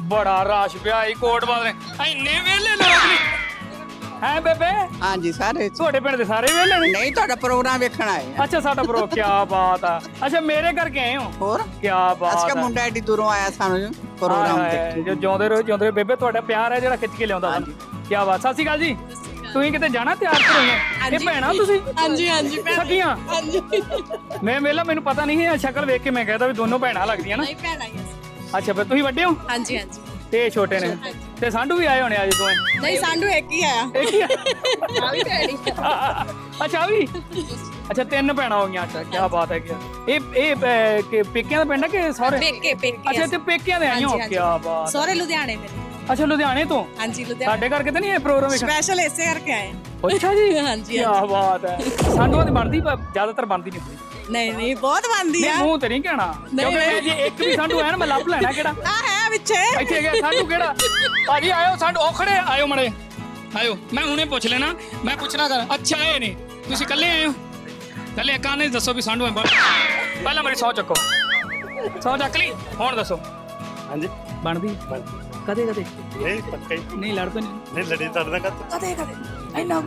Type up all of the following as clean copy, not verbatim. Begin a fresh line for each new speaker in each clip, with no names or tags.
ਬੜਾ ਰਸ਼ ਪਿਆ ਈ ਕੋਟ ਬਾਦਲ ਇੰਨੇ ਵੇਲੇ ਲੋਕ ਨਹੀਂ ਹੈ ਬੇਬੇ।
ਹਾਂਜੀ ਸਾਰੇ
ਤੁਹਾਡੇ ਪਿੰਡ ਦੇ ਸਾਰੇ ਵੇਲੇ ਨੇ?
ਨਹੀਂ ਤੁਹਾਡਾ ਪ੍ਰੋਗਰਾਮ ਵੇਖਣ ਆਏ ਆ।
ਅੱਛਾ ਸਾਡਾ ਬਰੋ ਕੀ ਬਾਤ ਆ। ਅੱਛਾ ਮੇਰੇ ਕਰਕੇ ਆਏ ਹੋ?
ਹੋਰ
ਕੀ ਬਾਤ
ਅਸਕਾ ਮੁੰਡਾ ਐਡੀ ਦੂਰੋਂ ਆਇਆ ਸਾਨੂੰ ਪ੍ਰੋਗਰਾਮ ਦੇਖਣ।
ਜੋ ਜਿਉਂਦੇ ਰਹੋ ਬੇਬੇ। ਤੁਹਾਡਾ ਪਿਆਰ ਹੈ ਜਿਹੜਾ ਖਿੱਚ ਕੇ ਲਿਆਉਂਦਾ ਸਾਨੂੰ। ਕੀ ਬਾਤ। ਸਤਿ ਸ਼੍ਰੀ ਅਕਾਲ ਜੀ। ਤੁਸੀਂ ਕਿਤੇ ਜਾਣਾ ਤਿਆਰ ਕਰੋਗੇ? ਇਹ ਭੈਣਾ ਤੁਸੀਂ?
ਹਾਂਜੀ ਹਾਂਜੀ
ਸਖੀਆਂ?
ਹਾਂਜੀ
ਮੈਂ ਵੇਲਾ ਮੈਨੂੰ ਪਤਾ ਨਹੀਂ ਹੈ ਸ਼ਕਲ ਵੇਖ ਕੇ ਮੈਂ ਕਹਿੰਦਾ ਵੀ ਦੋਨੋਂ ਭੈਣਾਂ ਲੱਗਦੀਆਂ ਨਾ।
ਨਹੀਂ ਭੈਣਾਂ ਹੀ ਆ।
ਅੱਛਾ ਫਿਰ ਤੁਸੀਂ ਵੱਡੇ ਹੋ
ਹਾਂਜੀ ਹਾਂਜੀ
ਤੇ ਇਹ ਛੋਟੇ ਨੇ ਤੇ ਸਾਂਢੂ ਵੀ ਆਏ ਹੋਣੇ ਅੱਜ ਦੋਵੇਂ?
ਨਹੀਂ ਸਾਡੂ ਇੱਕ ਹੀ ਆਇਆ
ਇੱਕ ਹੀ ਆ?
ਆ ਵੀ ਭੈਣੀ
ਅੱਛਾ ਆ ਵੀ ਅੱਛਾ ਤਿੰਨ ਭੈਣਾਂ ਹੋ ਗਈਆਂ। ਅੱਛਾ ਕੀ ਬਾਤ ਹੈ। ਇਹ ਕਿ ਪੇਕਿਆਂ ਦਾ ਪਿੰਡ ਹੈ ਕਿ ਸਹੁਰੇ?
ਪੇਕੇ ਪੇਕੇ
ਅੱਛਾ ਤੇ ਪੇਕਿਆਂ ਦੇ ਆਈ ਹੋ?
ਹਾਂਜੀ,
ਕੀ ਬਾਤ।
ਸਹੁਰੇ ਲੁਧਿਆਣੇ ਮੇਰੇ।
ਅੱਛਾ ਲੁਧਿਆਣੇ ਤੋਂ?
ਹਾਂਜੀ ਲੁਧਿਆਣੇ
ਸਾਡੇ ਕਰਕੇ ਤਾਂ ਨਹੀਂ ਇਹ ਪ੍ਰੋਗਰਾਮ ਵੇਖਣ?
ਸਪੈਸ਼ਲ ਇਸੇ ਕਰਕੇ ਆਏ
ਅੱਛਾ ਜੀ
ਹਾਂਜੀ,
ਕੀ ਬਾਤ ਹੈ। ਸਾਂਢੂਆਂ ਦੀ ਬਣਦੀ ਪਰ ਜ਼ਿਆਦਾਤਰ ਬਣਦੀ ਨਹੀਂ ਹੁੰਦੀ।
ਨਹੀਂ ਨਹੀਂ ਬਹੁਤ ਬਣਦੀ ਆ।
ਨਹੀਂ ਮੂੰਹ ਤੇ ਨਹੀਂ ਕਹਿਣਾ ਕਿਉਂਕਿ ਮੈਂ ਜੇ ਇੱਕ ਵੀ ਸਾਂਢੂ ਹੈ ਨਾ ਮੈਂ ਲੱਭ ਲੈਣਾ। ਕਿਹੜਾ
ਆ ਹੈ ਵਿੱਚੇ
ਇੱਥੇ ਗਿਆ ਸਾਂਢੂ ਕਿਹੜਾ? ਭਾਜੀ ਆਇਓ ਸਾਂਢੂ ਔਖੜੇ ਆਇਓ ਮੜੇ ਆਇਓ। ਮੈਂ ਹੁਣੇ ਪੁੱਛ ਲੈਣਾ ਮੈਂ ਪੁੱਛਣਾ ਕਰ। ਅੱਛਾ ਇਹ ਨੇ ਤੁਸੀਂ ਇਕੱਲੇ ਆਏ ਹੋ? ਇਕੱਲੇ ਕਾਹਨੇ ਦੱਸੋ ਵੀ ਸਾਂਢੂ ਹੈ? ਪਹਿਲਾਂ ਮੇਰੀ 100 ਚੱਕੋ। 100 ਚੱਕ ਲਈ ਹੁਣ ਦੱਸੋ।
ਹਾਂਜੀ
ਬਣਦੀ ਕਦੇ ਕਦੇ
ਨਹੀਂ ਪੱਕਾ ਹੀ
ਨਹੀਂ ਲੜ ਪਏ
ਨਹੀਂ ਲੜੀ ਤੁਹਾਡੇ ਨਾਲ
ਕਦੇ ਕਦੇ ਇੰਨਾ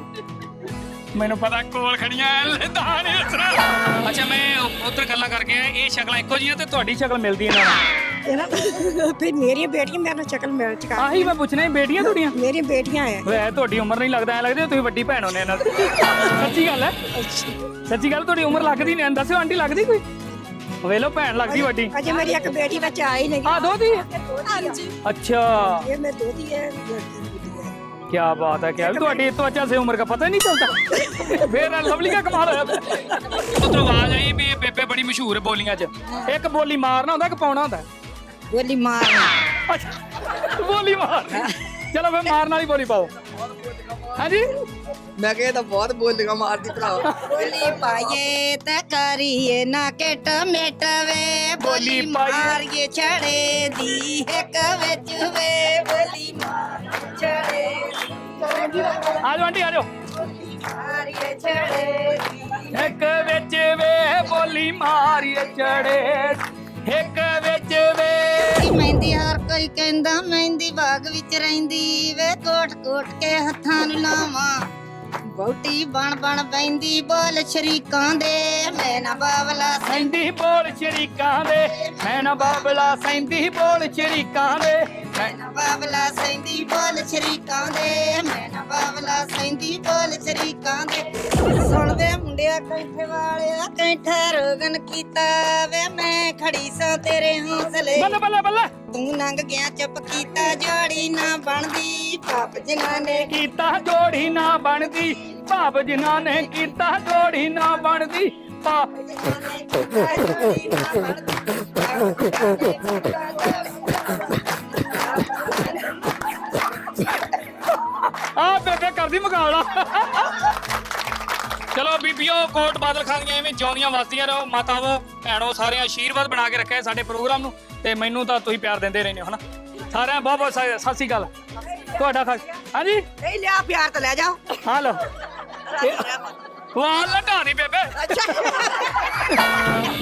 ਮੈਨੂੰ ਪਤਾ ਕੋਲ ਖੜੀਆਂ ਲੈਦਾ ਨਹੀਂ ਉਸਰਾ। ਅੱਛਾ ਮੈਂ ਉਧਰ ਗੱਲਾਂ ਕਰਕੇ ਆਇਆ। ਇਹ ਸ਼ਕਲਾਂ ਇੱਕੋ ਜਿਹੀਆਂ ਤੇ ਤੁਹਾਡੀ ਸ਼ਕਲ ਮਿਲਦੀ ਇਹਨਾਂ ਨਾਲ?
ਫਿਰ ਮੇਰੀਆਂ ਬੇਟੀਆਂ ਮੇਰੇ ਨਾਲ ਸ਼ਕਲ ਮਿਲ ਚੁੱਕਾ।
ਆਹੀ ਮੈਂ ਪੁੱਛਣਾ ਸੀ ਬੇਟੀਆਂ ਤੁਹਾਡੀਆਂ?
ਮੇਰੀਆਂ ਬੇਟੀਆਂ ਆ।
ਵੇ ਤੁਹਾਡੀ ਉਮਰ ਨਹੀਂ ਲੱਗਦਾ ਐ ਲੱਗਦਾ ਤੁਸੀਂ ਵੱਡੀ ਭੈਣ ਹੋਣੇ ਇਹਨਾਂ ਦੀ। ਸੱਚੀ ਗੱਲ ਹੈ? ਸੱਚੀ ਗੱਲ ਤੁਹਾਡੀ ਉਮਰ ਲੱਗਦੀ ਨਹੀਂ? ਦੱਸਿਓ ਆਂਟੀ ਲੱਗਦੀ ਕੋਈ? ਵੇਲੋ ਭੈਣ ਲੱਗਦੀ ਵੱਡੀ।
ਅਜੇ ਮੇਰੀ ਇੱਕ ਬੇਟੀ ਵਿੱਚ ਆਈ ਨਹੀਂ।
ਆ ਦੋਤੀ?
ਹਾਂਜੀ
अच्छा
ਇਹ ਮੈਂ ਦੋਤੀ ਹੈ ਲੜਕੀ ਬੁੱਢੀ ਹੈ।
क्या बात है। क्या ਤੁਹਾਡੀ तो अच्छा से उम्र का पता ही नहीं चलता। फिर लवली का कमाल होया। ਉਧਰੋਂ ਆਵਾਜ਼ ਆਈ ਵੀ ਇਹ ਬੇਬੇ ਬੜੀ ਮਸ਼ਹੂਰ ਹੈ ਬੋਲੀਆਂ 'ਚ। ਇੱਕ ਬੋਲੀ ਮਾਰਨਾ ਹੁੰਦਾ ਕਿ ਪਾਉਣਾ ਹੁੰਦਾ?
ਬੋਲੀ ਮਾਰ
ਅੱਛਾ ਬੋਲੀ ਮਾਰ। ਚਲੋ ਫਿਰ ਮਾਰਨ ਵਾਲੀ ਬੋਲੀ ਪਾਓ। ਹਾਂਜੀ
ਮੈਂ ਕਿਹਾ ਤਾਂ ਬਹੁਤ ਬੋਲੀਆਂ ਮਾਰਦੀ ਭਰਾ।
ਬੋਲੀ ਪਾਈਏ ਤੇ ਕਰੀਏ ਨਾ ਕਿਟ ਮਿਟ ਵੇ
ਬੋਲੀ
ਮਾਰੀਏ ਛੜੇ ਦੀ ਇੱਕ ਵਿੱਚ ਵੇ ਬੋਲੀ ਮਾਰ ਛੜੇ
ਆ ਜਾਓ ਆਂਟੀ ਆ ਜਾਓ।
ਮਾਰੀਏ ਛੜੇ
ਇੱਕ ਵਿੱਚ ਵੇ ਬੋਲੀ ਮਾਰੀਏ ਚੜੇ ਇੱਕ ਵਿੱਚ ਵੇ।
ਮਹਿੰਦੀ ਹਰ ਕੋਈ ਕਹਿੰਦਾ ਮਹਿੰਦੀ ਬਾਗ ਵਿੱਚ ਰਹਿੰਦੀ ਵੇ ਕੋਟ ਕੋਟ ਕੇ ਹੱਥਾਂ ਨੂੰ ਲਾਵਾਂ ਬਹੁਤੀ ਬਣ ਬਣ ਬੈਂਦੀ ਬੋਲ ਸ਼ਰੀਕਾਂ ਦੇ ਮੈਂ ਨਾ ਬਾਵਲਾ
ਸੈਂਦੀ ਬੋਲ ਸ਼ਰੀਕਾਂ ਦੇ ਮੈਂ ਨਾ ਬਾਬਲਾ ਸੈਂਦੀ ਬੋਲ ਸ਼ਰੀਕਾਂ ਦੇ
ਮੈਂ ਨਾ ਬਾਵਲਾ ਸੈਂਦੀ ਬੋਲ ਸ਼ਰੀਕਾਂ ਦੇ ਮੈਂ ਨਾ ਬਾਵਲਾ ਸੈਂਦੀ ਬੋਲ ਸ਼ਰੀਕਾਂ ਦੇ ਸੁਣਦੇ ਮੁੰਡਿਆ ਕੈਂਠੇ ਵਾਲਿਆ ਕੈਂਠਾ ਰੋਗਨ ਕੀਤਾ ਵੇ ਮੈਂ ਖੜੀ ਸਾਂ ਤੇਰੇ ਹੌਸਲੇ
ਬੱਲੇ ਬੱਲੇ ਬੱਲੇ।
ਤੂੰ ਲੰਘ ਗਿਆ ਚੁੱਪ ਕੀਤਾ ਜੋੜੀ ਨਾ ਬਣਦੀ ਪਾਪ ਜਿਨ੍ਹਾਂ ਨੇ
ਕੀਤਾ ਜੋੜੀ ਨਾ ਬਣਦੀ ਭਾਵ ਜਿਨ੍ਹਾਂ ਨੇ ਕੀਤਾ ਜੋੜੀ ਨਾ ਬਣਦੀ ਪਾਪ। ਆ ਬੇਬੇ ਕਰਦੀ ਮੁਕਾਬਲਾ। ਚਲੋ ਬੀਬੀਓ ਕੋਟ ਬਾਦਲ ਖਾਨ ਦੀਆਂ ਐਵੇਂ ਜਿਉਂਦੀਆਂ ਵਸਦੀਆਂ ਰਹੋ। ਮਾਤਾਵੋ ਭੈਣੋ ਸਾਰਿਆਂ ਆਸ਼ੀਰਵਾਦ ਬਣਾ ਕੇ ਰੱਖਿਆ ਸਾਡੇ ਪ੍ਰੋਗਰਾਮ ਨੂੰ ਤੇ ਮੈਨੂੰ ਤਾਂ ਤੁਸੀਂ ਪਿਆਰ ਦਿੰਦੇ ਰਹਿੰਦੇ ਹੋ ਹਨਾ। ਸਾਰਿਆਂ ਬਹੁਤ ਬਹੁਤ ਸਤਿ ਸ਼੍ਰੀ ਅਕਾਲ ਤੁਹਾਡਾ ਖਾਸ। ਹਾਂਜੀ
ਨਹੀਂ ਲਿਆ ਪਿਆਰ ਤਾਂ ਲੈ ਜਾਓ।
ਹਾਂ ਲਓ ਵਾਹ ਲਟਾ ਦੀ ਬੇਬੇ।